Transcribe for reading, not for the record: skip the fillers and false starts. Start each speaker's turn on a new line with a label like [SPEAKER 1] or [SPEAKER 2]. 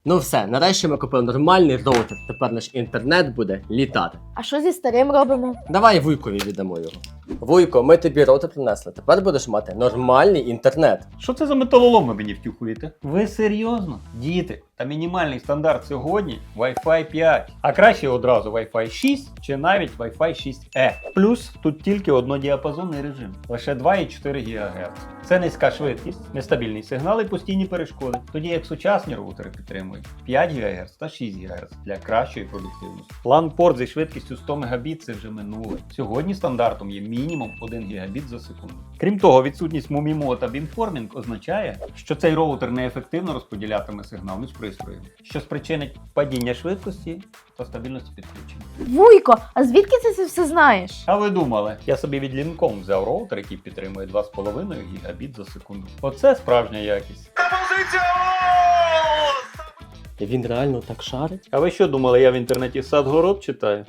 [SPEAKER 1] Ну все, нарешті ми купили нормальний роутер. Тепер наш інтернет буде літати.
[SPEAKER 2] А що зі старим робимо?
[SPEAKER 1] Давай Вуйкові віддамо його. Вуйко, ми тобі роутер принесли. Тепер будеш мати нормальний інтернет.
[SPEAKER 3] Що це за металолом ви мені втюхуєте? Ви серйозно? Діти, та мінімальний стандарт сьогодні Wi-Fi 5. А краще одразу Wi-Fi 6 чи навіть Wi-Fi 6E. Плюс тут тільки однодіапазонний режим. Лише 2,4 ГГц. Це низька швидкість, нестабільний сигнал і постійні перешкоди. Тоді як сучасні роутери підтримують 5 ГГц та 6 ГГц для кращої продуктивності. LAN-порт зі швидкістю 100 Мбіт це вже минуле. Сьогодні стандартом є мінімум 1 Гбіт за секунду. Крім того, відсутність MUMIMO та beamforming означає, що цей роутер неефективно розподілятиме сигнал між пристроями, що спричинить падіння швидкості та стабільності підключення.
[SPEAKER 2] Вуйко, а звідки ти це все знаєш?
[SPEAKER 3] А ви думали, я собі від Lincoln взяв роутер, який підтримує 2,5 Гбіт за секунду. Оце справжня якість.
[SPEAKER 1] Він реально так шарить?
[SPEAKER 3] А ви що думали, я в інтернеті Садгород читаю?